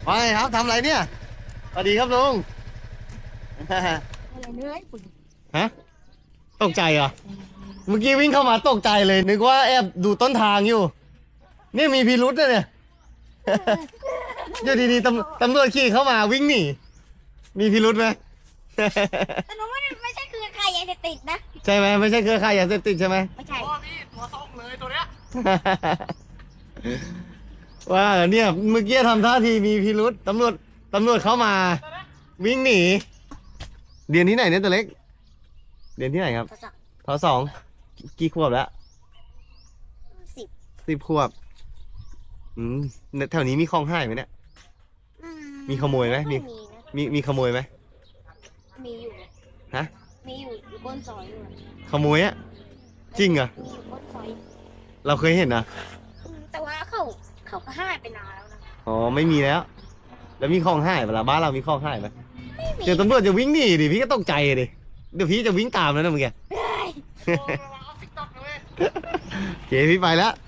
ว่าไงครับทำอะไรเนี่ยสวัสดีครับลุงอะไรเนื้อญี่ปุ่นฮะตกใจเหรอเมื่อกี้วิ่งเข้ามาตกใจเลยนึกว่าแอบดูต้นทางอยู่เนี่ยมีพิรุษนะเนี่ย อยู่ดีๆตำรวจขี่เข้ามาวิ่งหนีมีพิรุษไหมแต่หนูไม่ใช่คือใครยาเสพติดนะใช่ไหมไม่ใช่เครือข่ายยาเสพติดใช่ไหมไม่ใช่พี่ตัวส้มเลยตัวเนี้ยว่าเนี่ยเมื่อกี้ทำท่าทีมีพิรุษตำรวจเข้ามา วิ่งหนีเรียนที่ไหนเนี่ยตัวเล็กเรียนที่ไหนครับภาษาท.2กี่ขวบแล้ว 10 10 ขวบแถวนี้มีของหายไหมเนี่ย มีขโมยไหมมีนะมีขโมยไหมมีอยู่ฮะมีอยู่บนซอยด้วยขโมยอะจริงเหรอมีอยู่บนซอยเราเคยเห็นนะแต่ว่าเขาก็หายไปนานแล้วนะอ๋อไม่มีแล้ว แล้วมีของหายเวลาบ้านเรามีของหายไหมไม่มีเดี๋ยวตำรวจจะวิ่งหนีดิพี่ก็ตกใจดิเดี๋ยวพี่จะวิ่งตามแล้วนะเมื่อกี้เฮ้ยโอ้ยเอาติ๊กต็อกเลยโอเคพี่ไปแล้ว